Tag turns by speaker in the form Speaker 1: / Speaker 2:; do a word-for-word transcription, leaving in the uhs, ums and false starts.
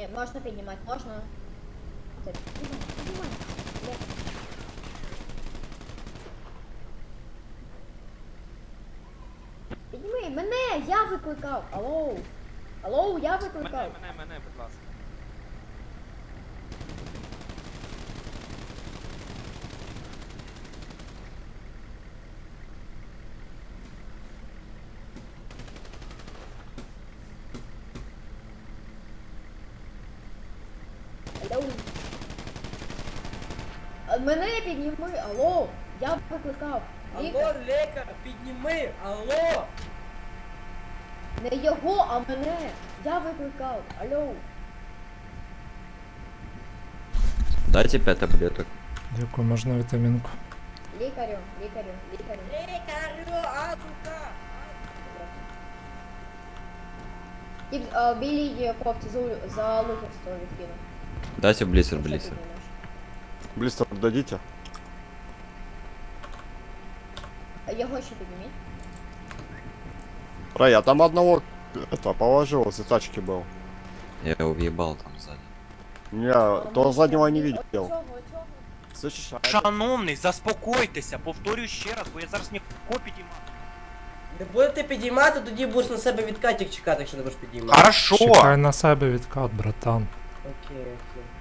Speaker 1: Ні, можна піднімати, можна. Це, піднімай, піднімай. Є. Підніми, мене, я викликав. Алло. Алло, я викликав.
Speaker 2: Мене, мене, мене, будь ласка.
Speaker 1: Алло. А, мене підніми, алло. Я викликав.
Speaker 3: Алло,
Speaker 1: Лікар.
Speaker 3: лікар, підніми, алло!
Speaker 1: Не його, а мене. Я викликав. Алло.
Speaker 4: Дайте пять таблеток.
Speaker 5: Дякую, можна вітамінку.
Speaker 1: Лікарю, лікарю, лікарю.
Speaker 3: Лікарю, азука!
Speaker 1: Тип, а, білій кофті за, за лукерство відкинув.
Speaker 4: Дайте блистер,
Speaker 1: Що
Speaker 4: блистер.
Speaker 1: ти думаєш?
Speaker 6: Блистер дадите?
Speaker 1: А його ще підніміть.
Speaker 6: Рай, я там одного это положил, за тачки был.
Speaker 4: Я его въебал там сзади.
Speaker 6: Не, то заднего не видел.
Speaker 1: Цього, цього.
Speaker 6: Слышишь? а
Speaker 2: Шановний, заспокойтеся, повторюю ще раз, бо я зараз ніхто підіймаю.
Speaker 3: Не будете підіймати, тоді будеш на себе відкатик чекати, якщо не будеш підіймати.
Speaker 2: Хорошо!
Speaker 5: Чекай на себе відкат, братан.
Speaker 3: Окей, окей.